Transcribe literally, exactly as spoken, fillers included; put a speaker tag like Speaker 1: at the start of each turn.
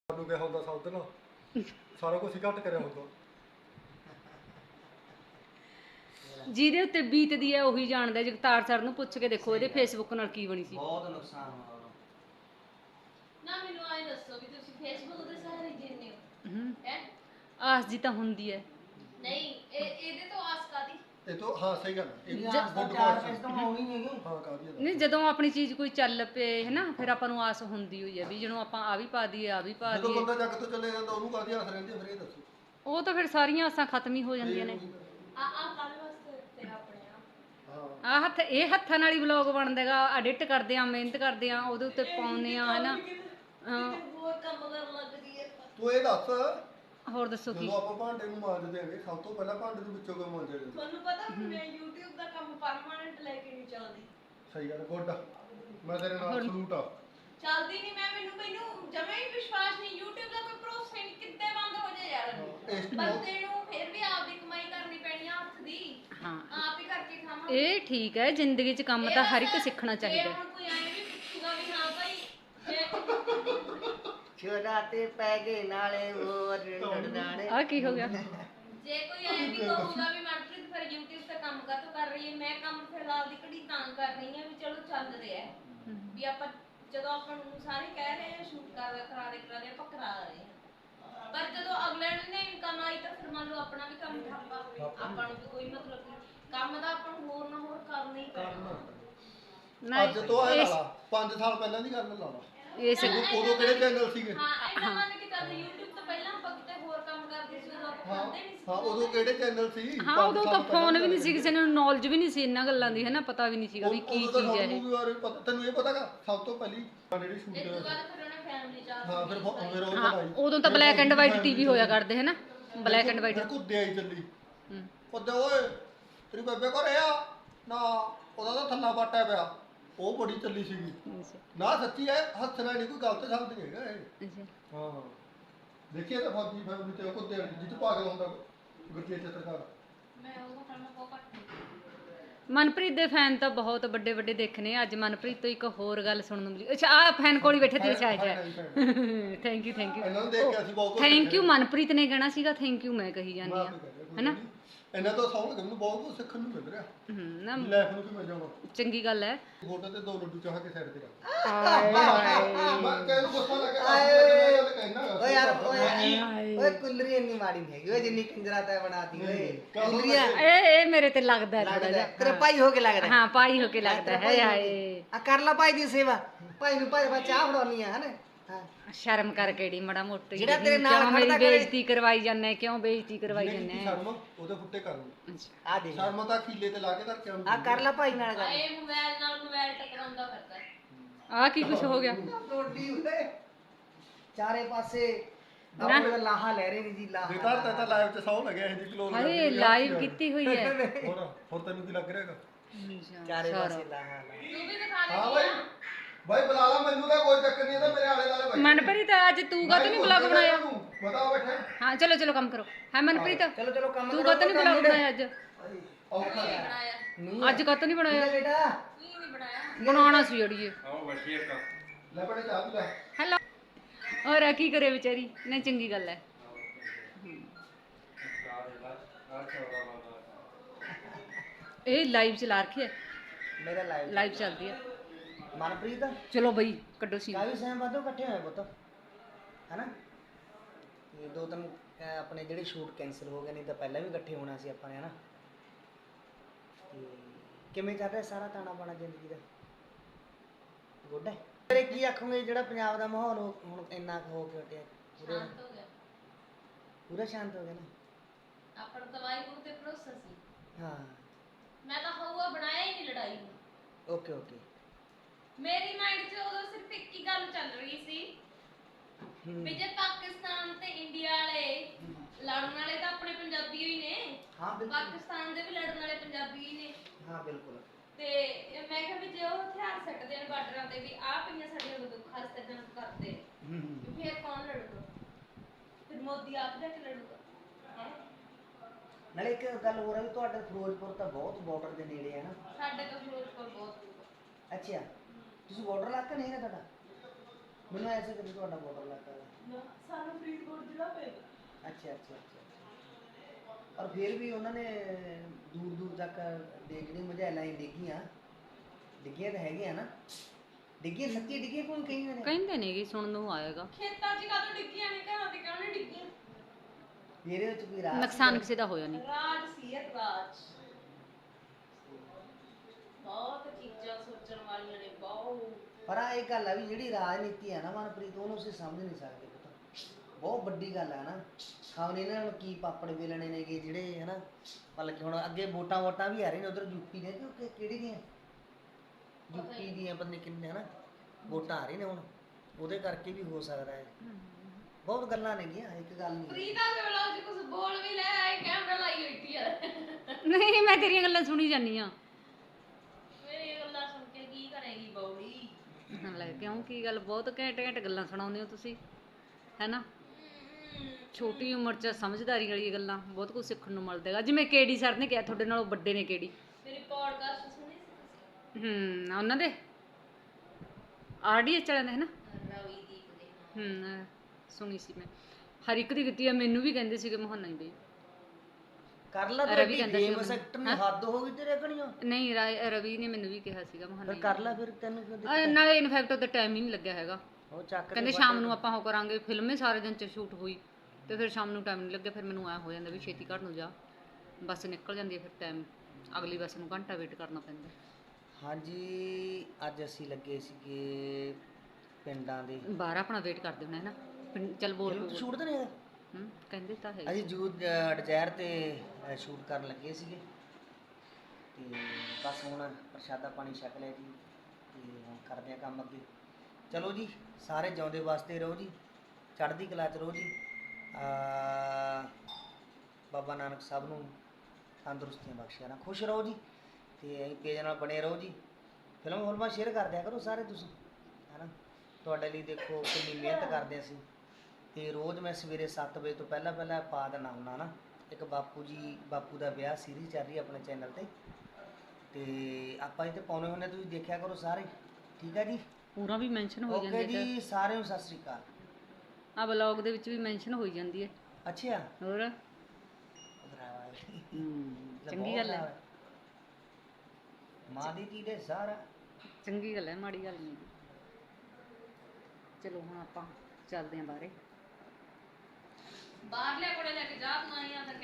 Speaker 1: ਨੂੰ ਕਿਹਾ ਹੁੰਦਾ ਸਭ ਨਾਲ ਸਾਰਾ ਕੁਝ ਹੀ ਘੱਟ ਕਰਿਆ ਹੁੰਦਾ।
Speaker 2: ਜਿਹਦੇ ਉੱਤੇ ਬੀਤਦੀ ਹੈ ਉਹੀ ਜਾਣਦਾ। ਜਗਤਾਰ ਸਰ ਨੂੰ ਪੁੱਛ ਕੇ ਦੇਖੋ ਇਹਦੇ ਫੇਸਬੁੱਕ ਨਾਲ ਕੀ ਬਣੀ ਸੀ।
Speaker 3: ਬਹੁਤ ਨੁਕਸਾਨ ਹੋਇਆ
Speaker 4: ਨਾ ਮੈਨੂੰ ਆਏ ਦੱਸੋ ਵੀ ਤੁਸੀਂ ਫੇਸਬੁੱਕ ਦੇ ਸਹਾਰੇ ਜਿੰਨੇ ਹੋ
Speaker 2: ਹੂੰ
Speaker 4: ਹੈ।
Speaker 2: ਆਸ ਜੀ ਤਾਂ ਹੁੰਦੀ ਹੈ।
Speaker 4: ਨਹੀਂ ਇਹ ਇਹਦੇ ਤੋਂ ਆਸ ਕਾਦੀ।
Speaker 1: ਇਹ ਤੋਂ ਹਾਂ ਸਹੀ ਗੱਲ ਹੈ। ਇਹ
Speaker 3: ਚਾਰ
Speaker 1: ਗੁੱਡ
Speaker 3: ਚਾਰ
Speaker 1: ਕੁਐਸਚਨ
Speaker 3: ਪੈਸੇ ਤਾਂ ਆਉਣੀ ਨਹੀਂ ਹੈਗੀ।
Speaker 1: ਹਾਂ ਕਾਦੀ
Speaker 2: ਨਹੀਂ ਜਦੋਂ ਆਪਣੀ ਚੀਜ਼ ਕੋਈ ਚੱਲ ਪਏ ਹੈ ਨਾ ਫਿਰ ਆਪਾਂ ਨੂੰ ਆਸ ਹੁੰਦੀ ਹੋਈ ਹੈ ਵੀ ਜਦੋਂ ਆਪਾਂ ਆ ਵੀ ਪਾ ਦਈਏ ਆ ਵੀ ਪਾ
Speaker 1: ਜਦੋਂ
Speaker 2: ਦਈਏ।
Speaker 1: ਬੰਦਾ ਜੱਗ ਤੋਂ ਚਲੇ ਜਾਂਦਾ ਉਹਨੂੰ ਕਾਦੀ ਆਸ ਰਹਿੰਦੀ ਹੈ ਫਿਰ ਇਹ ਦੱਸੋ।
Speaker 2: ਉਹ ਤਾਂ ਫਿਰ ਸਾਰੀਆਂ ਆਸਾਂ ਖਤਮ ਹੀ ਹੋ ਜਾਂਦੀਆਂ ਨੇ।
Speaker 4: ਆ ਆ ਕਾਹਦੇ ਵਾਸਤੇ ਤੇ ਆਪਣੇ ਆ
Speaker 1: ਹਾਂ
Speaker 2: ਆ ਹੱਥ ਇਹ ਹੱਥਾਂ ਨਾਲ ਹੀ ਵਲੌਗ ਬਣਦਾਗਾ। ਐਡਿਟ ਕਰਦੇ ਆ ਮਿਹਨਤ ਕਰਦੇ ਆ ਉਹਦੇ ਉੱਤੇ ਪਾਉਂਦੇ ਆ ਹਨਾ।
Speaker 4: ਹੋਰ ਕੰਮ ਕਰਨ ਲੱਗਦੀ ਹੈ।
Speaker 1: ਤੂੰ ਇਹ ਦੱਸ
Speaker 2: ਹੋਰ ਦੱਸੋ ਕੀ।
Speaker 1: ਜਦੋਂ ਆਪਾਂ ਭਾਂਡੇ ਨੂੰ ਮਾਂਜਦੇ ਆਂਗੇ ਸਭ ਤੋਂ ਪਹਿਲਾਂ ਭਾਂਡੇ ਨੂੰ ਵਿੱਚੋਂ ਕਿਉਂ ਮਾਂਜਿਆ ਜਾਂਦਾ?
Speaker 4: ਤੁਹਾਨੂੰ ਪਤਾ ਮੈਂ YouTube ਦਾ ਕੰਮ ਪਰਮਾਨੈਂਟ ਲੈ ਕੇ ਨਹੀਂ ਚੱਲਦੀ।
Speaker 1: ਸਹੀ ਗੱਲ ਗੁੱਡ। ਮੈਂ ਤੇਰੇ ਨਾਲ ਸਲੂਟ ਆ।
Speaker 4: ਚੱਲਦੀ ਨਹੀਂ ਮੈਂ ਮੈਨੂੰ ਮੈਨੂੰ ਜਮੇ ਹੀ ਵਿਸ਼ਵਾਸ ਨਹੀਂ। YouTube ਦਾ ਕੋਈ ਭਰੋਸਾ ਨਹੀਂ ਕਿੱਦੇ ਬੰਦ ਹੋ ਜਾਏ ਯਾਰ।
Speaker 1: ਇਸ ਤੋਂ
Speaker 4: ਬੰਦੇ ਨੂੰ ਫਿਰ ਵੀ ਆਪ ਦੀ ਕਮਾਈ ਕਰਨੀ ਪੈਣੀ ਆ ਹੱਥ ਦੀ।
Speaker 2: ਹਾਂ
Speaker 4: ਆਪ ਹੀ ਕਰਕੇ ਖਾਵਾਂ।
Speaker 2: ਇਹ ਠੀਕ ਹੈ ਜ਼ਿੰਦਗੀ 'ਚ ਕੰਮ ਤਾਂ ਹਰ ਇੱਕ ਸਿੱਖਣਾ ਚਾਹੀਦਾ।
Speaker 4: ਜੇ ਹੁਣ ਕੋਈ ਐਂ ਵੀ ਪੁੱਛੂਗਾ ਵੀ ਹਾਂ ਭਾਈ ਜੇ
Speaker 3: ਛੋਰਾ ਤੇ ਪੈ ਗਏ ਨਾਲੇ ਹੋਰ ਡੜਦਾੜੇ।
Speaker 2: ਆ ਕੀ ਹੋ ਗਿਆ।
Speaker 4: ਜੇ ਕੋਈ ਐਂ ਵੀ ਕਹੂਗਾ ਵੀ ਮਨਪ੍ਰੀਤ ਫਿਰ YouTube ਤੇ ਕੰਮ ਕਾਹਤੋਂ ਕਰ ਰਹੀ ਹੈ। ਮੈਂ ਕੰਮ ਫਿਲਹਾਲ ਦੀ ਘੜੀ ਤਾਂ ਕਰ ਰਹੀ ਹਾਂ ਵੀ ਚਲੋ ਚੱਲ ਰਿਹਾ ਹੈ ਵੀ ਆਪਾਂ ਜਦੋਂ ਆਪਾਂ ਨੂੰ ਸਾਰੇ ਕਹਿ ਰਹੇ ਆ ਸ਼ੂਟ ਕਰ ਕਰਾ ਦੇ ਕਰਾ ਦੇ ਆਪਾਂ ਕਰਾ ਰਹੇ ਹਾਂ। ਪਰ ਜਦੋਂ ਅਗਲੇ ਨੇ ਇਨਕਮ ਆਈ ਤਾਂ ਫਿਰ ਮੰਨ ਲਓ ਆਪਣਾ ਵੀ ਕੰਮ ਠੱਪਾ ਆਪਾਂ ਨੂੰ ਵੀ ਕੋਈ ਮਤਲਬ ਨਹੀਂ। ਕੰਮ ਦਾ ਆਪਾਂ ਨੂੰ ਹੋਰ ਨਾ ਹੋਰ ਕਰਨਾ ਹੀ ਪੈਣਾ।
Speaker 2: ਨਹੀਂ
Speaker 1: ਅੱਜ ਤੋਂ ਆਏ
Speaker 2: ਇਸ
Speaker 1: ਲਾ ਪੰਜ ਸਾਲ ਪਹਿਲਾਂ ਦੀ ਗੱਲ ਲਾ ਲਾ।
Speaker 2: ਇਸ
Speaker 1: ਉਦੋਂ ਉਦੋਂ ਕਿਹੜੇ ਚੈਨਲ ਸੀਗੇ?
Speaker 4: ਹਾਂ ਇਹਨਾਂ ਮੰਨ ਕੇ ਚੱਲ YouTube ਤੋਂ ਪਹਿਲਾਂ ਆਪਾਂ ਕਿਤੇ ਹੋਰ ਕੰਮ ਕਰਦੇ ਸੀ ਉਦੋਂ ਆਪਾਂ
Speaker 1: ਹਾਂ
Speaker 4: ਕਰਦੇ ਨਹੀਂ ਸੀ।
Speaker 1: ਹਾਂ ਉਦੋਂ ਕਿਹੜੇ ਚੈਨਲ ਸੀ?
Speaker 2: ਹਾਂ ਉਦੋਂ ਤਾਂ ਫੋਨ ਵੀ ਨਹੀਂ ਸੀ ਕਿਸੇ ਨੂੰ ਨੌਲੇਜ ਵੀ ਨਹੀਂ ਸੀ ਇਹਨਾਂ ਗੱਲਾਂ ਦੀ ਹੈ ਨਾ। ਪਤਾ ਵੀ ਨਹੀਂ ਸੀਗਾ ਵੀ ਕੀ ਚੀਜ਼ ਹੈ ਇਹ।
Speaker 1: ਬਾਰੇ ਪਤਾ ਤੈਨੂੰ ਇਹ ਪਤਾਗਾ ਸਭ ਤੋਂ ਪਹਿਲੀ ਜਿਹੜੀ ਸ਼ੂਟ
Speaker 4: ਇਸ ਤੋਂ
Speaker 1: ਹੋਇਆ
Speaker 4: ਬਾਅਦ ਫਿਰ ਉਹਨੇ ਫੈਮਿਲੀ ਚਾਹ
Speaker 1: ਹਾਂ ਫਿਰ ਫੋ- ਫਿਰ ਉਹ
Speaker 2: ਹਾਂ
Speaker 1: ਚਲਾਈ
Speaker 2: ਉਦੋਂ ਤਾਂ ਬਲੈਕ ਐਂਡ ਵਾਈਟ ਟੀਵੀ ਹੋਇਆ ਕਰਦੇ ਹੈ ਨਾ। Black and white.
Speaker 1: ਕੁੱਦੇ ਆਈ ਚੱਲੀ
Speaker 2: ਹੂੰ
Speaker 1: ਕੁੱਦੇ ਓਏ ਤੇਰੀ ਬੇਬੇ ਘਰੇ ਆ ਨਾ ਉਹਦਾ ਤਾਂ ਥੱਲਾ ਪਾਟਿਆ ਪਿਆ। ਉਹ ਬੜੀ ਚੱਲੀ ਸੀਗੀ
Speaker 2: ਅੱਛਾ
Speaker 1: ਨਾ ਸੱਚੀ ਹੈ ਹੱਸਣਾ ਨਹੀਂ ਕੋਈ ਗਲਤ ਸ਼ਬਦ ਨਹੀਂ ਹੈਗਾ ਇਹ।
Speaker 2: ਅੱਛਾ
Speaker 1: ਹਾਂ ਹਾਂ ਦੇਖੀਏ ਤਾਂ ਫੌਜੀ ਫੈਮਿਲੀ ਤੇ ਉਹ ਕੁੱਦੇ ਜਿੱਤ ਪਾਗਲ ਹੁੰਦਾ ਗੁਰਜੀਤ ਚਿੱਤਰਕਾਰ।
Speaker 4: ਮੈਂ ਉਹ ਫਿਲਮ ਬਹੁਤ ਘੱਟ ਦੇਖੀ।
Speaker 2: ਮਨਪ੍ਰੀਤ ਦੇ ਫੈਨ ਤਾਂ ਬਹੁਤ ਵੱਡੇ ਵੱਡੇ ਦੇਖਣੇ। ਅੱਜ ਮਨਪ੍ਰੀਤ ਤੋਂ ਇੱਕ ਹੋਰ ਗੱਲ ਸੁਣਨ ਨੂੰ ਮਿਲੀ। ਅੱਛਾ ਆ ਫੈਨ ਕੋਲ ਹੀ ਬੈਠੇ ਤੇ ਸ਼ਾਇਦ ਥੈਂਕ ਯੂ ਥੈਂਕ ਯੂ
Speaker 1: ਇਹਨਾਂ ਨੂੰ ਦੇਖ ਕੇ ਅਸੀਂ ਬਹੁਤ ਕੁਝ
Speaker 2: ਥੈਂਕ ਯੂ ਮਨਪ੍ਰੀਤ ਨੇ ਕਹਿਣਾ ਸੀਗਾ ਥੈਂਕ ਯੂ ਮੈਂ ਕਹੀ ਜਾਂਦੀ ਆ ਹੈਨਾ।
Speaker 1: ਇਹਨਾਂ ਤੋਂ ਸੌਣ ਲੱਗੇ ਮੈਨੂੰ ਬਹੁਤ ਕੁਝ ਸਿੱਖਣ ਨੂੰ ਮਿਲ ਰਿਹਾ।
Speaker 2: ਹੂੰ ਨਾ
Speaker 1: ਲਾਈਫ ਨੂੰ ਕਿਵੇਂ ਜਾਣਾ।
Speaker 2: ਚੰਗੀ ਗੱਲ ਹੈ।
Speaker 1: ਫੋਟੋ ਤੇ ਦੋ ਲੱਡੂ ਚਾਹ ਕੇ ਸਾਈਡ ਤੇ ਕਰ।
Speaker 2: ਹਾਏ ਹਾਏ
Speaker 1: ਮੈਂ ਕਹਿਨੂੰ ਗੁੱਸਾ ਲੱਗਿਆ ਮੈਂ ਗੱਲ ਕਹਿਣਾ
Speaker 3: ਓਏ ਯਾਰ ਓਏ ਓਏ ਕੁੰਦਰੀ ਇੰਨੀ ਮਾੜੀ ਨਹੀਂ ਹੈਗੀ ਓਏ ਜਿੰਨੀ ਕੰਜਰਾ ਤੈ ਬਣਾਤੀ ਓਏ ਕੁੰਦਰੀਆ
Speaker 2: ਇਹ ਇਹ ਮੇਰੇ ਤੇ ਲੱਗਦਾ ਹੈ ਥੋੜਾ
Speaker 3: ਲੱਗਦਾ
Speaker 2: ਜਿਹਾ।
Speaker 3: ਤੇਰੇ ਭਾਈ ਹੋ ਕੇ ਲੱਗਦਾ।
Speaker 2: ਹਾਂ ਪਾਈ ਹੋ ਕੇ ਲੱਗਦਾ ਹੈ ਹਾਏ।
Speaker 3: ਆ ਕਰ ਲਾ ਭਾਈ ਦੀ ਸੇਵਾ। ਭਾਈ ਨੂੰ ਭਾਈ ਬਾ ਚਾਹ ਫੜਾਉਣੀ ਆ ਹਨਾ। ਹਾਂ
Speaker 2: ਸ਼ਰਮ ਕਰ ਕਿਹੜੀ ਮੜਾ ਮੋਟੀ
Speaker 3: ਜਿਹੜਾ ਤੇਰੇ ਨਾਲ
Speaker 2: ਕਿਉਂ ਮੇਰੀ
Speaker 3: ਖੜਦਾ ਕਰੇ।
Speaker 2: ਬੇਇੱਜ਼ਤੀ ਕਰਵਾਈ ਜਾਂਦਾ ਕਿਉਂ ਬੇਇੱਜ਼ਤੀ ਕਰਵਾਈ
Speaker 1: ਜਿਹਨੇ ਕੀਤੀ
Speaker 2: ਜਾਂਦਾ।
Speaker 1: ਸ਼ਰਮ ਉਹਦੇ ਫੁੱਟੇ ਕਰ ਲੂ।
Speaker 2: ਅੱਛਾ
Speaker 3: ਆ ਦੇਖ
Speaker 1: ਸ਼ਰਮ ਤਾਂ ਖੀਲੇ ਤੇ ਲਾ ਕੇ ਧਰ ਕੇ ਆਉਂਦੀ।
Speaker 3: ਆ ਕਰ ਲਾ ਭਾਈ ਨਾਲ ਗੱਲ।
Speaker 4: ਇਹ ਮੋਬਾਈਲ ਨਾਲ ਮੋਬਾਈਲ ਟਕਰਾਉਂਦਾ ਫਿਰਦਾ।
Speaker 2: ਆ ਕੀ ਕੁਝ ਹੋ ਗਿਆ।
Speaker 3: ਰੋਟੀ ਓਏ ਚਾਰੇ ਪਾਸੇ ਆਪਣੇ ਦਾ ਲਾਹਾ ਲੈ ਰਹੇ ਨੇ ਜੀ ਲਾਹਾ।
Speaker 1: ਦੇ ਧਰ ਤਾਂ ਲਾਈਵ ਚ ਸੌ ਲੱਗਿਆ ਇਹ ਜੀ ਕਲੋਜ਼
Speaker 2: ਹਾਏ ਲਾਈਵ ਕੀਤੀ ਹੋਈ ਹੈ।
Speaker 1: ਹੋਰ ਹੋਰ ਤੈਨੂੰ ਕੀ ਲੱਗ ਰਿਹਾਗਾ?
Speaker 3: ਚਾਰੇ ਪਾਸੇ ਲਾਹਾ
Speaker 4: ਤੂੰ ਵੀ ਦਿਖਾ
Speaker 1: ਹਾਂ
Speaker 4: ਦੇ।
Speaker 1: ਬਾਈ ਬਾਈ ਬੁਲਾ ਲਾ ਮੈਨੂੰ ਤਾਂ ਕੋਈ ਚੱਕਰ ਨਹੀਂ ਇਹਦਾ ਮੇਰੇ ਆਲੇ ਦੁਆਲੇ ਬਾਈ
Speaker 2: ਮਨਪ੍ਰੀਤ ਅੱਜ ਤੂੰ ਕਦ ਨਹੀਂ ਬਲੌਗ ਬਣਾਇਆ।
Speaker 1: ਬਤਾ ਬੈਠਾ
Speaker 2: ਹਾਂ ਚਲੋ ਚਲੋ ਕੰਮ ਕਰੋ। ਹੈ ਮਨਪ੍ਰੀਤ
Speaker 3: ਚਲੋ ਚਲੋ ਕੰਮ
Speaker 2: ਤੂੰ
Speaker 3: ਕਰੋ,
Speaker 2: ਕਦ ਨਹੀਂ
Speaker 3: ਕੰਮ
Speaker 2: ਬਲੌਗ
Speaker 3: ਨਿਬੇੜ।
Speaker 2: ਬਣਾਇਆ ਅੱਜ।
Speaker 1: ਔਖਾ
Speaker 4: ਨਹੀਂ ਬਣਾਇਆ।
Speaker 3: ਨਹੀਂ
Speaker 2: ਅੱਜ ਕਦ ਨਹੀਂ ਬਣਾਇਆ।
Speaker 3: ਬੇਟਾ
Speaker 4: ਕੀ ਨਹੀਂ ਬਣਾਇਆ।
Speaker 2: ਬਣਾਉਣਾ ਸੀ ਅੜੀਏ।
Speaker 1: ਲੈ ਬੜੇ ਚਾਹ ਪੀ ਲੈ।
Speaker 2: ਹੈਲੋ ਔਰ ਆ ਕੀ ਕਰੇ ਵਿਚਾਰੀ ਨਹੀਂ ਚੰਗੀ ਗੱਲ ਹੈ। ਇਹ ਲਾਈਵ ਚਲਾ ਰੱਖੀ ਹੈ।
Speaker 3: ਮੇਰਾ ਲਾਈਵ
Speaker 2: ਲਾਈਵ ਚੱਲਦੀ ਹੈ।
Speaker 3: ਮਨਪ੍ਰੀਤ
Speaker 2: ਚਲੋ ਬਈ ਕੱਢੋ ਸੀ।
Speaker 3: ਕਾਵੀ ਸਹਿਮ ਬਾਦੋਂ ਇਕੱਠੇ ਹੋਏ ਪੁੱਤ ਹੈਨਾ। ਇਹ ਦੋ ਤਿੰਨ ਅਹ ਆਪਣੇ ਜਿਹੜੇ ਸ਼ੂਟ ਕੈਨਸਲ ਹੋ ਗਏ ਨਹੀਂ ਤਾਂ ਪਹਿਲਾਂ ਵੀ ਇਕੱਠੇ ਹੋਣਾ ਸੀ ਆਪਾਂ ਨੇ ਹਨਾ। ਤੇ ਕਿਵੇਂ ਚੱਲ ਰਿਹਾ ਸਾਰਾ ਤਾਣਾ ਬਾਣਾ ਜ਼ਿੰਦਗੀ ਦਾ? ਗੁੱਡ ਹੈ। ਫਿਰ ਕੀ ਆਖੋਗੇ ਜਿਹੜਾ ਪੰਜਾਬ ਦਾ ਮਾਹੌਲ ਹੋ- ਹੁਣ ਇੰਨਾ ਕੁ ਹੋ ਕੇ ਹਟਿਆ ਪੂਰਾ
Speaker 4: ਸ਼ਾਂਤ ਹੋ ਗਿਆ।
Speaker 3: ਪੂਰਾ ਸ਼ਾਂਤ ਹੋ ਗਿਆ ਨਾ।
Speaker 4: ਆਪਣਾ ਤਾਂ ਵਾਹਿਗੁਰੂ ਤੇ ਭਰੋਸਾ ਸੀ।
Speaker 3: ਹਾਂ
Speaker 4: ਮੈਂ ਤਾਂ ਹਊਆ ਬਣਾਇਆ ਹੀ ਨਹੀਂ ਲੜਾਈ ਨੂੰ।
Speaker 3: ਓਕੇ ਓਕੇ
Speaker 4: ਮੇਰੀ ਮਾਈਂਡ 'ਚ ਉਦੋਂ ਸਿਰਫ ਇੱਕ ਹੀ ਗੱਲ ਚੱਲ ਰਹੀ ਸੀ ਵੀ ਜੇ ਪਾਕਿਸਤਾਨ ਤੇ ਇੰਡੀਆ ਵਾਲੇ ਲੜਨ ਵਾਲੇ ਤਾਂ ਆਪਣੇ ਪੰਜਾਬੀ ਹੀ ਨੇ।
Speaker 3: ਹਾਂ ਬਿਲਕੁਲ
Speaker 4: ਪਾਕਿਸਤਾਨ ਦੇ ਵੀ ਲੜਨ ਵਾਲੇ ਪੰਜਾਬੀ ਹੀ ਨੇ।
Speaker 3: ਹਾਂ ਬਿਲਕੁਲ
Speaker 4: ਤੇ ਮੈਂ ਕਿਹਾ ਵੀ ਜੇ ਉਹ ਹਥਿਆਰ ਸੱਟਦੇ ਨੇ ਬਾਰਡਰਾਂ ਤੇ ਵੀ ਆਹ ਪਈਆਂ ਸਾਡੀਆਂ ਬੰਦੂਕਾਂ ਹਸਤੇ ਜਨ ਕਰਦੇ
Speaker 3: ਹੂੰ ਹੂੰ।
Speaker 4: ਵੀ ਫਿਰ ਕੌਣ ਲੜੂਗਾ। ਫਿਰ ਮੋਦੀ ਆਪ ਜਾ ਕੇ ਲੜੂਗਾ। ਹੈਂ?
Speaker 3: ਨਾਲੇ ਇੱਕ ਗੱਲ ਹੋਰ ਹੈ ਵੀ ਤੁਹਾਡੇ ਫਿਰੋਜ਼ਪੁਰ ਤਾਂ ਬਹੁਤ ਬਾਰਡਰ ਦੇ ਨੇੜੇ ਹੈ ਨਾ।
Speaker 4: ਸਾਡੇ ਤੋਂ ਫਿਰੋਜ਼ਪੁਰ ਬਹੁਤ ਦੂਰ ਆ।
Speaker 3: ਅੱਛਾ ਤੁਸੀਂ ਬਾਰਡਰ ਇਲਾਕਾ ਨਹੀਂ ਹੈਗਾ ਤੁਹਾਡਾ? ਮੈਨੂੰ ਐਸੇ ਕਰੀ ਤੁਹਾਡਾ ਬਾਰਡਰ ਇਲਾਕਾ ਹੈ।
Speaker 4: ਨਾ ਸਾਨੂੰ ਫਰੀਦਕੋਟ ਜ਼ਿਲ੍ਹਾ ਪੈਂਦਾ।
Speaker 3: ਅੱਛਾ ਅੱਛਾ ਅੱਛਾ ਅੱਛਾ। ਪਰ ਫਿਰ ਵੀ ਉਹਨਾਂ ਨੇ ਦੂਰ ਦੂਰ ਤੱਕ ਦੇ ਜਿਹੜੀ ਮਝੈਲਾਂ ਹੀ ਡਿੱਗੀਆਂ ਡਿੱਗੀਆਂ ਤਾਂ ਹੈਗੀਆਂ ਨਾ, ਡਿੱਗੀਆਂ ਸੱਚੀ ਡਿੱਗੀਆਂ ਕੋਣ ਕਹੀਆਂ ਨੇ?
Speaker 2: ਕਹਿੰਦੇ ਨੇ ਕਿ ਸੁਣਨ ਨੂੰ ਆਏਗਾ
Speaker 4: ਖੇਤਾਂ 'ਚ ਕਾਹਤੋਂ ਡਿੱਗੀਆਂ ਨੇ, ਘਰਾਂ 'ਤੇ ਕਿਉਂ ਨਹੀਂ ਡਿੱਗੀਆਂ?
Speaker 3: ਇਹਦੇ ਵਿੱਚ ਕੋਈ ਰਾਜ
Speaker 2: ਨੁਕਸਾਨ ਕਿਸੇ ਦਾ ਹੋਇਆ ਨਹੀਂ।
Speaker 4: ਰਾਜ ਸੀ ਇਹ ਰਾਜ। ਬਹੁਤ ਚੀਜ਼ਾਂ ਸੋਚਣ ਵਾਲੀਆਂ ਨੇ, ਬਹੁਤ।
Speaker 3: ਪਰ ਆ ਇਹ ਗੱਲ ਆ ਵੀ ਜਿਹੜੀ ਰਾਜਨੀਤੀ ਹੈ ਨਾ ਮਨਪ੍ਰੀਤ, ਉਹਨੂੰ ਅਸੀਂ ਸਮਝ ਨਹੀਂ ਸਕਦੇ ਪੁੱਤ। ਬਹੁਤ ਵੱਡੀ ਗੱਲ ਹੈ ਨਾ। ਖਾਵਨੇ ਇਹਨਾਂ ਨੂੰ ਕੀ ਪਾਪੜ ਵੇਲਣੇ ਨੇਗੇ ਜਿਹੜੇ ਹਨਾ, ਮਤਲਬ ਕਿ ਹੁਣ ਅੱਗੇ ਵੋਟਾਂ ਵੋਟਾਂ ਵੀ ਆ ਰਹੀਆਂ ਨੇ ਉਧਰ ਯੂਪੀ ਦੇ, ਕਿ ਕਿਹੜੀ ਦੀਆਂ ਯੂਪੀ ਦੀਆਂ ਪਤਾ ਨਹੀਂ ਕਿੰਨੇ ਹਨਾ ਵੋਟਾਂ ਆ ਰਹੀਆਂ ਨੇ ਹੁਣ, ਉਹਦੇ ਕਰਕੇ ਵੀ ਹੋ ਸਕਦਾ ਹੈ। ਬਹੁਤ ਗੱਲਾਂ ਨੇਗੀਆਂ, ਇੱਕ ਗੱਲ ਨਹੀਂ।
Speaker 4: ਪ੍ਰੀਤਾ ਦੇ ਵਲੌਗ 'ਚ ਕੁਝ ਬੋਲ ਵੀ ਲੈ, ਆਏ ਕੈਮਰਾ ਲਾਈ ਹੋਈ ਟੀ ਆ।
Speaker 2: ਨਹੀਂ ਮੈਂ ਤੇਰੀਆਂ ਗੱਲਾਂ ਸੁਣੀ ਜਾਂਦੀ ਆ।
Speaker 4: ਮੇਰੀ ਗੱਲਾਂ ਸੁਣ ਕੇ ਕੀ ਕਰੇਗੀ ਬੌੜੀ?
Speaker 2: ਲੈ ਕਿਉਂ, ਕੀ ਗੱਲ, ਬਹੁਤ ਘੈਂਟ ਘੈਂਟ ਗੱਲਾਂ ਸੁਣਾਉਂਦੇ ਹੋ ਤੁਸੀਂ, ਹੈਨਾ। ਛੋਟੀ ਉਮਰ 'ਚ ਸਮਝਦਾਰੀ ਵਾਲੀ ਗੱਲਾਂ, ਬਹੁਤ ਕੁਝ ਸਿੱਖਣ ਨੂੰ ਮਿਲਦਾ ਹੈਗਾ। ਜਿਵੇਂ ਕੇਡੀ ਸਰ ਨੇ ਕਿਹਾ ਤੁਹਾਡੇ ਨਾਲੋਂ ਵੱਡੇ ਨੇ ਕੇਡੀ।
Speaker 4: ਮੇਰੀ ਪੋਡਕਾਸਟ ਸੁਣੀ ਸੀ ਤੁਸੀਂ?
Speaker 2: ਹੂੰ ਉਹਨਾਂ ਦੇ ਆਰਡੀਐਚ ਵਾਲਿਆਂ ਦੇ ਹੈ ਨਾ।
Speaker 4: ਰਵੀਦੀਪ ਦੇ ਨਾਲ।
Speaker 2: ਹੂੰ ਸੁਣੀ ਸੀ ਮੈਂ, ਹਰ ਇੱਕ ਦੀ ਕੀਤੀ ਆ। ਮੈਨੂੰ ਵੀ ਕਹਿੰਦੇ ਸੀਗੇ ਮਹਾਨਾ ਹੀ ਬਈ
Speaker 3: ਕਰ ਲਾ
Speaker 2: ਰਵੀ
Speaker 3: ਤੂੰ
Speaker 2: ਕਹਿੰਦਾ ਸੀ
Speaker 3: ਫੇਮਸ
Speaker 2: ਮੈਨੂੰ।
Speaker 3: ਐਕਟਰ ਨੇ, ਹੱਦ ਹੋ ਗਈ ਤੇਰੇ ਕਣੀਆਂ।
Speaker 2: ਨਹੀਂ ਰਾ- ਰਵੀ ਨੇ ਮੈਨੂੰ ਵੀ ਕਿਹਾ ਸੀਗਾ ਮਹਾਨਾ
Speaker 3: ਫਿਰ ਕਰ ਲੈ, ਫਿਰ ਤੈਨੂੰ ਕਿਉਂ ਦਿੱਕਤ?
Speaker 2: ਹੀ। ਨਾਲੇ ਇਨਫੈਕਟ ਉਹਦਾ ਟਾਈਮ ਹੀ ਨਹੀਂ ਲੱਗਿਆ ਹੈਗਾ।
Speaker 3: ਉਹ ਚੱਕ
Speaker 2: ਕਹਿੰਦੇ ਸ਼ਾਮ ਨੂੰ ਆਪਾਂ ਉਹ ਕਰਾਂਗੇ, ਫਿਲਮ ਹੀ ਸਾਰੇ ਦਿਨ ਚ ਸ਼ੂਟ ਹੋਈ ਤੇ ਫਿਰ ਸ਼ਾਮ ਨੂੰ ਟਾਈਮ ਨਹੀਂ ਲੱਗਿਆ। ਫਿਰ ਮੈਨੂੰ ਐ ਹੋ ਜਾਂਦਾ ਵੀ ਛੇਤੀ ਘਰ ਨੂੰ ਜਾ, ਬੱਸ ਨਿਕਲ ਜਾਂਦੀ ਹੈ, ਫਿਰ ਟਾਈਮ ਅਗਲੀ ਬੱਸ ਨੂੰ ਘੰਟਾ ਵੇਟ ਕਰਨਾ ਪੈਂਦਾ।
Speaker 3: ਹਾਂਜੀ ਅੱਜ ਅਸੀਂ ਲੱਗੇ ਸੀਗੇ ਪਿੰਡਾਂ ਦੇ
Speaker 2: ਬਾਹਰ ਆਪਣਾ ਵੇਟ ਕਰਦੇ ਹੁੰਦੇ ਹੈ ਨਾ। ਪਿੰਡ- ਚੱਲ ਬੋਲ
Speaker 3: ਫਿਲਮ
Speaker 2: ਬੋਲ।
Speaker 3: ਸ਼ੂਟ ਤਾਂ ਨਹੀਂ ਹੈਗਾ।
Speaker 2: ਹੂੰ ਕਹਿੰਦੇ ਤਾਂ ਹੈ।
Speaker 3: ਅਸੀਂ ਜੂ ਡਜ਼ਾਇਰ ਤੇ ਸ਼ੂਟ ਕਰਨ ਲੱਗੇ ਸੀਗੇ ਤੇ ਬਸ ਹੁਣ ਪ੍ਰਸ਼ਾਦਾ ਪਾਣੀ ਛਕ ਲਿਆ ਜੀ ਤੇ ਹੁਣ ਕਰਦੇ ਆ ਕੰਮ ਅੱਗੇ। ਚਲੋ ਜੀ, ਸਾਰੇ ਜਿਉਂਦੇ ਵਾਸਤੇ ਰਹੋ ਜੀ, ਚੜ੍ਹਦੀ ਕਲਾ 'ਚ ਰਹੋ ਜੀ। ਆ, ਬਾਬਾ ਨਾਨਕ ਸਾਹਿਬ ਨੂੰ ਤੰਦਰੁਸਤੀਆਂ ਬਖਸ਼ਿਆ ਨਾ, ਖੁਸ਼ ਰਹੋ ਜੀ ਤੇ ਅਸੀਂ ਪੇਜ ਨਾਲ ਬਣੇ ਰਹੋ ਜੀ। ਫਿਲਮ ਫਿਲਮਾਂ ਸ਼ੇਅਰ ਕਰ ਦਿਆ ਕਰੋ ਸਾਰੇ ਤੁਸੀਂ, ਹੈ ਨਾ। ਤੁਹਾਡੇ ਲਈ ਦੇਖੋ ਕਿੰਨੀ ਮਿਹਨਤ ਕਰਦੇ ਅਸੀਂ, ਤੇ ਰੋਜ਼ ਮੈਂ ਸਵੇਰੇ ਸੱਤ ਵਜੇ ਤੋਂ ਪਹਿਲਾਂ ਪਹਿਲਾਂ ਪਾ ਦੇਣਾ ਹੁੰਦਾ ਨਾ। ਇੱਕ ਬਾਪੂ ਜੀ ਬਾਪੂ ਦਾ ਵਿਆਹ ਸੀਰੀਜ਼ ਚੱਲ ਰਹੀ ਆਪਣੇ ਚੈਨਲ ਤੇ ਤੇ ਆਪਾਂ ਇੱਥੇ ਪਾਉਣੇ ਹੁੰਦੇ, ਤੁਸੀਂ ਦੇਖਿਆ ਕਰੋ ਸਾਰੇ, ਠੀਕ ਹੈ ਜੀ।
Speaker 2: ਪੂਰਾ ਵੀ ਮੈਂਸ਼ਨ ਹੋ
Speaker 3: ਓਕੇ
Speaker 2: ਜਾਂਦੀ ਹੈ
Speaker 3: ਜੀ, ਸਾਰਿਆਂ ਨੂੰ ਸਤਿ ਸ੍ਰੀ ਅਕਾਲ।
Speaker 2: ਆ ਬਲੌਗ ਦੇ ਵਿੱਚ ਵੀ ਮੈਂਸ਼ਨ ਹੋਈ ਜਾਂਦੀ ਹੈ।
Speaker 3: ਅੱਛਾ
Speaker 2: ਹੋਰ
Speaker 3: ਭਰਾਵਾ,
Speaker 2: ਹੂੰ
Speaker 3: ਲੈ
Speaker 2: ਚੰਗੀ
Speaker 3: ਬਹੁਤ
Speaker 2: ਗੱਲ ਹੈ।
Speaker 3: ਖਰਾਬ ਮਾਂ ਦੀ ਧੀ ਦੇ ਸਾਰਾ।
Speaker 2: ਚੰਗੀ ਗੱਲ ਹੈ, ਮਾੜੀ ਗੱਲ ਨਹੀਂ। ਚਲੋ ਹੁਣ ਆਪਾਂ ਚੱਲਦੇ ਹਾਂ ਬਾਹਰੇ।
Speaker 4: ਬਾਹਰਲੇ ਕੋਲੇ ਲੈ ਕੇ ਜਾ ਤੂੰ ਆਈਆਂ ਤਾਂ